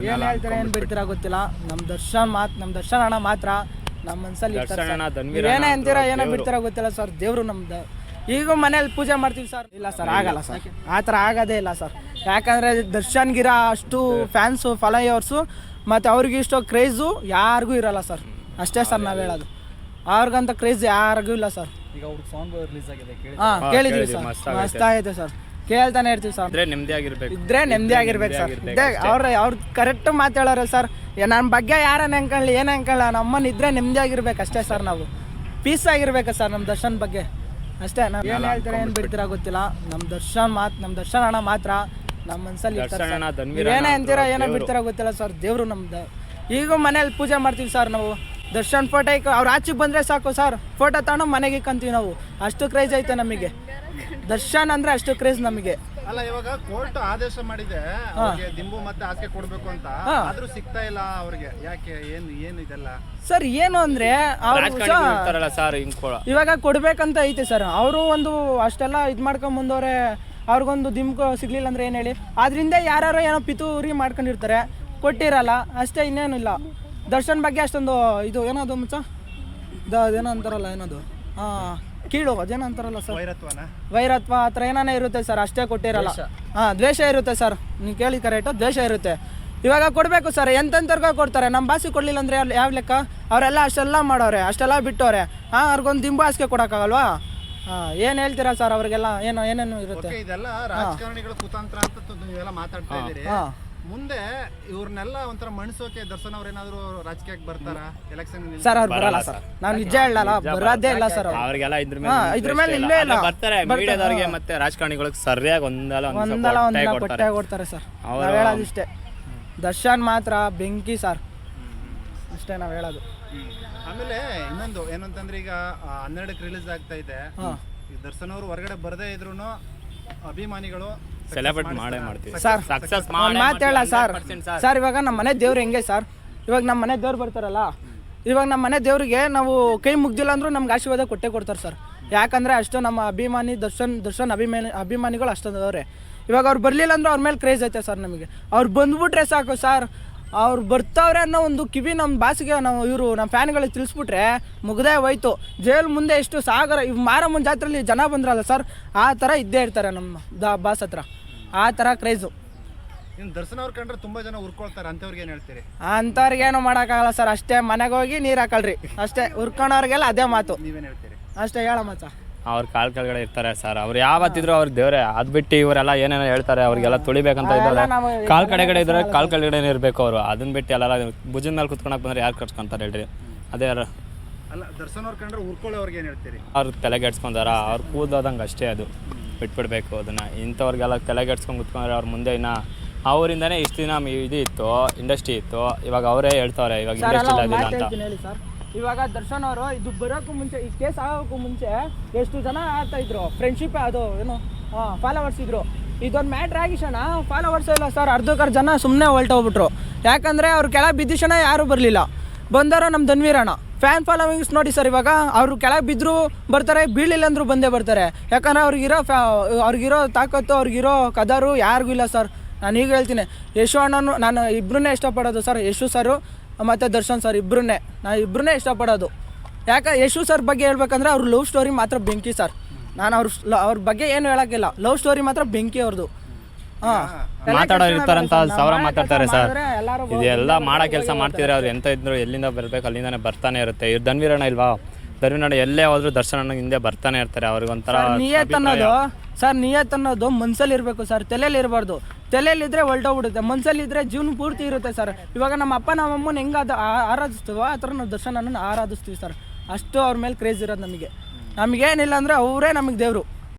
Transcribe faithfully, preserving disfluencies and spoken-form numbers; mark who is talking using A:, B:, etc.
A: ಏನ್ ಹೇಳ್ತಾರೆ ಏನ್ ಬಿಡ್ತೀರಾ ಗೊತ್ತಿಲ್ಲ. ನಮ್ ದರ್ಶನ್ ಮಾತ್ ನಮ್ ದರ್ಶನ್ ಅಣ್ಣ ಮಾತ್ರ ನಮ್ಮ ಮನ್ಸಲ್ಲಿ ಏನೇ ಅಂತೀರಾ ಏನೋ ಬಿಡ್ತೀರಾ ಗೊತ್ತಿಲ್ಲ ಸರ್. ದೇವ್ರು ನಮ್ದು. ಈಗ ಮನೇಲಿ ಪೂಜೆ ಮಾಡ್ತೀವಿ ಸರ್. ಇಲ್ಲ ಸರ್ ಆಗಲ್ಲ ಸರ್, ಆ ಥರ ಆಗೋದೇ ಇಲ್ಲ ಸರ್. ಯಾಕಂದರೆ ದರ್ಶನ್ಗಿರ ಅಷ್ಟು ಫ್ಯಾನ್ಸು ಫಾಲೋಯರ್ಸು ಮತ್ತು ಅವ್ರಿಗೆ ಇಷ್ಟೋ ಕ್ರೇಜು ಯಾರಿಗೂ ಇರಲ್ಲ ಸರ್. ಅಷ್ಟೇ ಸರ್ ನಾವು ಹೇಳೋದು. ಅವ್ರಿಗಂತ ಕ್ರೇಜ್ ಯಾರಿಗೂ ಇಲ್ಲ ಸರ್.
B: ಈಗ ಅವ್ರ ಸಾಂಗ್ ರಿಲೀಸ್ ಆಗಿದೆ,
A: ಹಾಂ ಕೇಳಿದ್ವಿ ಸರ್, ಮಸ್ತ್ ಆಗೈತೆ ಸರ್. ಕೇಳ್ತಾನೆ ಇರ್ತೀವಿ ಸರ್.
C: ಇದ್ರೆ ನೆಮ್ಮದಿ ಆಗಿರ್ಬೇಕು
A: ಇದ್ರೆ ನೆಮ್ಮದಿ ಆಗಿರ್ಬೇಕು ಸರ್. ಇದ್ದೇ ಅವ್ರ ಅವ್ರು ಕರೆಕ್ಟ್ ಮಾತಾಡೋರು ಸರ್. ನನ್ನ ಬಗ್ಗೆ ಯಾರನ್ನ ಅನ್ಕೊಳ್ಳಿ ಏನು ಅನ್ಕೊಳ್ಳ, ನಮ್ಮನ್ನ ಇದ್ರೆ ನೆಮ್ಮದಿ ಆಗಿರ್ಬೇಕು ಅಷ್ಟೇ ಸರ್. ನಾವು ಪೀಸ್ ಆಗಿರ್ಬೇಕು ಸರ್ ನಮ್ಮ ದರ್ಶನ್ ಬಗ್ಗೆ ಅಷ್ಟೇ. ನಾವು ಏನು ಹೇಳ್ತಾರೆ ಏನು ಬಿಡ್ತೀರಾ ಗೊತ್ತಿಲ್ಲ. ನಮ್ಮ ದರ್ಶನ್ ಮಾತು ನಮ್ಮ ದರ್ಶನ್ ಅಣ್ಣ ಮಾತ್ರ ನಮ್ಮ ಮನ್ಸಲ್ಲಿ ಏನೇ ಅಂತೀರಾ ಏನೋ ಬಿಡ್ತೀರಾ ಗೊತ್ತಿಲ್ಲ ಸರ್. ದೇವ್ರು ನಮ್ದು. ಈಗ ಮನೇಲಿ ಪೂಜೆ ಮಾಡ್ತೀವಿ ಸರ್ ನಾವು. ದರ್ಶನ್ ಫೋಟೋ ಇಕ್ಕ ಅವ್ರು ಆಚೆಗೆ ಬಂದರೆ ಸಾಕು ಸರ್, ಫೋಟೋ ತಗೊಂಡು ಮನೆಗೆ ಇಕ್ಕಂತೀವಿ ನಾವು. ಅಷ್ಟು ಕ್ರೇಜ್ ಐತೆ ನಮಗೆ ದರ್ಶನ್ ಅಂದ್ರೆ, ಅಷ್ಟು ಕ್ರೇಜ್ ನಮಗೆ.
D: ಅಲ್ಲ ಇವಾಗ ಕೋರ್ಟ್ ಆದೇಶ ಮಾಡಿದೆ ದಿಂಬು ಮತ್ತೆ ಹಾಸಿಗೆ ಕೊಡ್ಬೇಕು ಅಂತ, ಆದ್ರೂ ಸಿಗ್ತಾ ಇಲ್ಲ ಅವ್ರಿಗೆ. ಯಾಕೆ ಏನು ಏನು ಇದೆಲ್ಲ
A: ಸರ್? ಏನು ಅಂದ್ರೆ ಇವಾಗ ಕೊಡ್ಬೇಕಂತ ಐತೆ ಸರ್. ಅವರು ಒಂದು ಅಷ್ಟೆಲ್ಲ ಇದ್ ಮಾಡ್ಕೊಂಡ್ ಬಂದವ್ರೆ. ಅವ್ರಿಗೊಂದು ದಿಂಬು ಸಿಗ್ಲಿಲ್ಲ ಅಂದ್ರೆ ಏನ್ ಹೇಳಿ, ಆದ್ರಿಂದ ಯಾರು ಏನೋ ಪಿತೂರಿ ಮಾಡ್ಕೊಂಡಿರ್ತಾರೆ, ಕೊಟ್ಟಿರಲ್ಲ ಅಷ್ಟೇ, ಇನ್ನೇನಿಲ್ಲ. ದರ್ಶನ್ ಬಗ್ಗೆ ಅಷ್ಟೊಂದು ಇದು ಏನದು ಮುಚ್ಚ ಏನೋ ಅಂತಾರಲ್ಲ, ಏನದು ಹಾಂ ಕೀಳು ಅದೇನೋ ಅಂತಾರಲ್ಲ ಸರ್, ವೈರತ್ವ ಆ ಥರ ಏನಾನೇ ಇರುತ್ತೆ ಸರ್. ಅಷ್ಟೇ ಕೊಟ್ಟಿರಲ್ಲ. ಹಾಂ ದ್ವೇಷ ಇರುತ್ತೆ ಸರ್. ನೀವು ಕೇಳಿ ಕರೆಕ್ಟು, ದ್ವೇಷ ಇರುತ್ತೆ. ಇವಾಗ ಕೊಡಬೇಕು ಸರ್, ಎಂತೆಂಥವ್ರಿಗೂ ಕೊಡ್ತಾರೆ. ನಮ್ಮ ಭಾಷೆ ಕೊಡಲಿಲ್ಲ ಅಂದರೆ ಯಾವ ಲೆಕ್ಕ? ಅವರೆಲ್ಲ ಅಷ್ಟೆಲ್ಲ ಮಾಡೋರೆ, ಅಷ್ಟೆಲ್ಲ ಬಿಟ್ಟವ್ರೆ. ಹಾಂ ಅವ್ರಿಗೊಂದು ದಿಂಬು ಹಾಸಿಗೆ ಕೊಡೋಕ್ಕಾಗಲ್ವಾ? ಹಾಂ ಏನು ಹೇಳ್ತೀರಾ ಸರ್? ಅವ್ರಿಗೆಲ್ಲ ಏನೋ ಏನೇನು ಇರುತ್ತೆ.
D: ಇದೆಲ್ಲ ರಾಜಕಾರಣಿಗಳ ಕುತಂತ್ರ ಅಂತ ನೀವೆಲ್ಲ ಮಾತಾಡ್ತಾ ಇದ್ದೀರಿ. ಮುಂದೆ ಇವ್ರನ್ನೆಲ್ಲ ಒಂಥರ ಮಣಿಸೋಕೆ ದರ್ಶನ್ ಅವ್ರ ಏನಾದ್ರು ರಾಜಕೀಯಕ್ಕೆ ಬರ್ತಾರ ಎಲೆಕ್ಷನ್?
A: ಸರ್ ಅವ್ರು ಬರಲ್ಲ ಸರ್, ನಾನು ನಿಜ ಹೇಳಲ್ಲ, ಬರೋದೇ ಇಲ್ಲ ಸರ್.
C: ಅವ್ರಿಗೆಲ್ಲ ಇದ್ರ
A: ಇದ್ರ ಮೇಲೆ ಇಲ್ಲೇ ಇಲ್ಲ.
C: ಬರ್ತಾರೆ ಮೀಡಿಯಾದವ್ರಿಗೆ ಮತ್ತೆ ರಾಜಕಾರಣಿಗಳಿಗೆ ಸರಿಯಾಗಿ ಒಂದಲ್ಲ
A: ಒಂದಲ್ಲ ಒಂದಲ್ಲ ಕೊಟ್ಟೆ ಕೊಡ್ತಾರೆ ಸರ್. ನಾವು ಹೇಳೋದಿಷ್ಟೇ, ದರ್ಶನ್ ಮಾತ್ರ ಬೆಂಕಿ ಸರ್, ಅಷ್ಟೇ ನಾವು ಹೇಳೋದು.
D: ಆಮೇಲೆ ಇನ್ನೊಂದು ಏನಂತಂದ್ರೆ, ಈಗ ಹನ್ನೆರಡಕ್ಕೆ ರಿಲೀಸ್ ಆಗ್ತಾ ಇದೆ. ದರ್ಶನ್ ಅವರು ಹೊರಗಡೆ ಬರದೇ ಇದ್ರು ಅಭಿಮಾನಿಗಳು
C: ಸೆಲೆಬ್ರೇಟ್ ಮಾಡೇ ಮಾಡ್ತೀವಿ
A: ಸರ್.
C: ಸಕ್ಸಸ್
A: ಮಾತು ಹೇಳ ಸರ್. ಸರ್ ಇವಾಗ ನಮ್ಮ ಮನೆ ದೇವ್ರು ಹೆಂಗೆ ಸರ್, ಇವಾಗ ನಮ್ಮ ಮನೆ ದೇವ್ರು ಬರ್ತಾರಲ್ಲ, ಇವಾಗ ನಮ್ಮ ಮನೆ ದೇವ್ರಿಗೆ ನಾವು ಕೈ ಮುಗ್ದಿಲ್ಲ ಅಂದ್ರೂ ನಮ್ಗೆ ಆಶೀರ್ವಾದ ಕೊಟ್ಟೆ ಕೊಡ್ತಾರೆ ಸರ್. ಯಾಕಂದರೆ ಅಷ್ಟು ನಮ್ಮ ಅಭಿಮಾನಿ ದರ್ಶನ್ ದರ್ಶನ್ ಅಭಿಮಾನಿ ಅಭಿಮಾನಿಗಳು ಅಷ್ಟೊಂದವ್ರೆ. ಇವಾಗ ಅವ್ರು ಬರಲಿಲ್ಲ ಅಂದ್ರೆ ಅವ್ರ ಮೇಲೆ ಕ್ರೇಜ್ ಐತೆ ಸರ್ ನಮಗೆ. ಅವ್ರು ಬಂದ್ಬಿಟ್ರೆ ಸಾಕು ಸರ್, ಅವ್ರು ಬರ್ತಾವ್ರೆ ಅನ್ನೋ ಒಂದು ಕಿವಿ ನಮ್ಮ ಬಾಸಿಗೆ ನಾವು ಇವರು ನಮ್ಮ ಫ್ಯಾನ್ಗಳಿಗೆ ತಿಳಿಸ್ಬಿಟ್ರೆ ಮುಗ್ದೇ ಹೋಯ್ತು. ಜೈಲ್ ಮುಂದೆ ಎಷ್ಟು ಸಾಗರ, ಇವ್ ಮಾರಮ್ಮನ ಜಾತ್ರೆಯಲ್ಲಿ ಜನ ಬಂದ್ರಲ್ಲ ಸರ್, ಆ ಥರ ಇದ್ದೇ ಇರ್ತಾರೆ ನಮ್ಮ ದ ಬಾಸ್ ಹತ್ರ. ಆ ಥರ ಕ್ರೇಜು.
D: ಇನ್ನು ದರ್ಶನ್ ಅವ್ರು ಕಂಡ್ರೆ ತುಂಬ ಜನ ಉರ್ಕೊಳ್ತಾರೆ, ಅಂಥವ್ರಿಗೆ ಏನು ಹೇಳ್ತೀರಿ?
A: ಅಂಥವ್ರಿಗೆ ಏನೂ ಮಾಡೋಕ್ಕಾಗಲ್ಲ ಸರ್. ಅಷ್ಟೇ ಮನೆಗೆ ಹೋಗಿ ನೀರು ಹಾಕಳ್ರಿ ಅಷ್ಟೇ. ಉರ್ಕೊಳೋರಿಗೆಲ್ಲ ಅದೇ ಮಾತು.
D: ನೀವೇನು ಹೇಳ್ತೀರಿ?
A: ಅಷ್ಟೇ ಹೇಳ ಮಚ್ಚ.
C: ಅವ್ರ ಕಾಲ್ ಕೆಳಗಡೆ ಇರ್ತಾರೆ ಸರ್. ಅವ್ರು ಯಾವತ್ತಿದ್ರು ಅವ್ರ ದೇವ್ರೆ. ಅದ್ ಬಿಟ್ಟು ಇವರೆಲ್ಲ ಏನೇನೋ ಹೇಳ್ತಾರೆ, ಅವ್ರಿಗೆಲ್ಲ ತುಳಿಬೇಕಂತ ಇದ್ದಾರೆ. ಕಾಲ್ ಕಡೆಗಡೆ ಇದ್ರೆ ಕಾಲ್ ಕೆಳಗಡೆ ಇರಬೇಕು ಅವರು. ಅದನ್ನ ಬಿಟ್ಟು ಎಲ್ಲ ಭುಜದ ಮೇಲೆ ಕುತ್ಕೊಳಕ್ ಬಂದ್ರೆ ಯಾರು ಕಟ್ಸ್ಕೊಂತಾರೆ ಹೇಳ್ರಿ? ಅದೇ
D: ಅಲ್ಲ, ದರ್ಶನ್ ಅವ್ರ ಕಂಡ್ರೆ ಉರ್ಕೊಳ್ಳೋರ್ಗೆ ಏನು ಹೇಳ್ತೀರಿ?
C: ಅವ್ರು ತಲೆಗೆಡ್ಸ್ಕೊಂತಾರ, ಅವ್ರು ಕೂದೋದಂಗೆ ಅಷ್ಟೇ, ಅದು ಬಿಟ್ಬಿಡ್ಬೇಕು ಅದನ್ನ. ಇಂಥವ್ರಿಗೆಲ್ಲ ತಲೆಗೆಡ್ಸ್ಕೊಂಡು ಕುತ್ಕೊಂಡ್ರೆ ಅವ್ರ ಮುಂದೆ ಇನ್ನ ಅವರಿಂದನೇ ಇಷ್ಟು ದಿನ ಇದು ಇತ್ತು, ಇಂಡಸ್ಟ್ರಿ ಇತ್ತು. ಇವಾಗ ಅವರೇ ಹೇಳ್ತಾವ್ರೆ ಇವಾಗ ಇಂಡಸ್ಟ್ರಿ ಇಲ್ಲ ಅಂತ.
A: ಇವಾಗ ದರ್ಶನ್ ಅವರು ಇದು ಬರೋಕ್ಕೂ ಮುಂಚೆ, ಈ ಕೇಸ್ ಆಗೋಕ್ಕೂ ಮುಂಚೆ ಎಷ್ಟು ಜನ ಆಗ್ತಾ ಇದ್ರು, ಫ್ರೆಂಡ್ಶಿಪ್ ಅದು ಏನು ಹಾಂ ಫಾಲೋವರ್ಸ್ ಇದ್ರು. ಇದೊಂದು ಮ್ಯಾಟ್ರ್ ಆಗಿಶಣ ಫಾಲೋವರ್ಸ್ ಇಲ್ಲ ಸರ್. ಅರ್ಧಕ್ಕರ್ಧ ಜನ ಸುಮ್ಮನೆ ಹೊಲ್ಟೋಗ್ಬಿಟ್ರು. ಯಾಕಂದರೆ ಅವ್ರು ಕೆಳಗೆ ಬಿದ್ದಿಶಣ ಯಾರೂ ಬರಲಿಲ್ಲ. ಬಂದಾರೋ ನಮ್ಮ ಧನ್ವೀರಣ್ಣ ಫ್ಯಾನ್ ಫಾಲೋವಿಂಗ್ಸ್ ನೋಡಿ ಸರ್. ಇವಾಗ ಅವರು ಕೆಳಗೆ ಬಿದ್ದರೂ ಬರ್ತಾರೆ, ಬೀಳಿಲ್ಲ ಅಂದರೂ ಬಂದೇ ಬರ್ತಾರೆ. ಯಾಕಂದರೆ ಅವ್ರಿಗಿರೋ ಫ್ಯಾ ಅವ್ರಿಗಿರೋ ತಾಕತ್ತು, ಅವ್ರಿಗಿರೋ ಕದರು ಯಾರಿಗೂ ಇಲ್ಲ ಸರ್. ನಾನು ಈಗ ಹೇಳ್ತೀನಿ, ಯಶು ಅಣ್ಣನು ನಾನು ಇಬ್ಬರನ್ನೇ ಇಷ್ಟಪಡೋದು ಸರ್. ಯಶು ಸರು ಮತ್ತು ದರ್ಶನ್ ಸರ್ ಇಬ್ಬರನ್ನೇ ನಾನು ಇಬ್ಬರನ್ನೇ ಇಷ್ಟಪಡೋದು. ಯಾಕೆ ಯಶು ಸರ್ ಬಗ್ಗೆ ಹೇಳ್ಬೇಕಂದ್ರೆ ಅವ್ರ ಲವ್ ಸ್ಟೋರಿ ಮಾತ್ರ ಬೆಂಕಿ ಸರ್. ನಾನು ಅವ್ರ ಅವ್ರ ಬಗ್ಗೆ ಏನು ಹೇಳೋಕ್ಕಿಲ್ಲ, ಲವ್ ಸ್ಟೋರಿ ಮಾತ್ರ ಬೆಂಕಿ ಅವ್ರದ್ದು. ಹಾಂ
C: ಮಾತಾಡೋರು ಇರ್ತಾರಂತ ಸಾವಿರ ಮಾತಾಡ್ತಾರೆ ಸರ್. ಇದೆಲ್ಲ ಮಾಡೋ ಕೆಲಸ ಮಾಡ್ತಿದ್ರೆ ಅವ್ರು ಎಂತ ಇದ್ರು ಎಲ್ಲಿಂದ ಬರಬೇಕು ಅಲ್ಲಿಂದಾನೆ ಬರ್ತಾನೆ ಇರುತ್ತೆ. ಇವ್ರು ಧನ್ವೀರಣ್ಣ ಇಲ್ವಾ, ಧನ್ವೀರಣ್ಣ ಎಲ್ಲೇ ಹೋದ್ರು ದರ್ಶನ ಹಿಂದೆ ಬರ್ತಾನೆ ಇರ್ತಾರೆ. ಅವ್ರಿಗೊಂಥರ
A: ನಿಯತ್ ಅನ್ನೋದು ಸರ್, ನಿಯತ್ ಅನ್ನೋದು ಮನ್ಸಲ್ಲಿ ಇರಬೇಕು ಸರ್, ತಲೆಯಲ್ಲಿ ಇರಬಾರ್ದು. ತಲೆಯಲ್ಲಿದ್ದರೆ ಹೊಲ್ಟೋಗ್ಬಿಡುತ್ತೆ, ಮನ್ಸಲ್ಲಿದ್ದರೆ ಜೀವನ ಪೂರ್ತಿ ಇರುತ್ತೆ ಸರ್. ಇವಾಗ ನಮ್ಮ ಅಪ್ಪ ನಮ್ಮ ಅಮ್ಮನ ಹೆಂಗೆ ಅದು ಆರಾಧಿಸ್ತೀವೋ ಆ ಥರ ನಾವು ದರ್ಶನನ್ನು ಆರಾಧಿಸ್ತೀವಿ ಸರ್. ಅಷ್ಟು ಅವ್ರ ಮೇಲೆ ಕ್ರೇಜ್ ಇರೋದು ನಮಗೆ. ನಮಗೇನಿಲ್ಲ ಅಂದರೆ ಅವರೇ ನಮಗೆ ದೇವರು.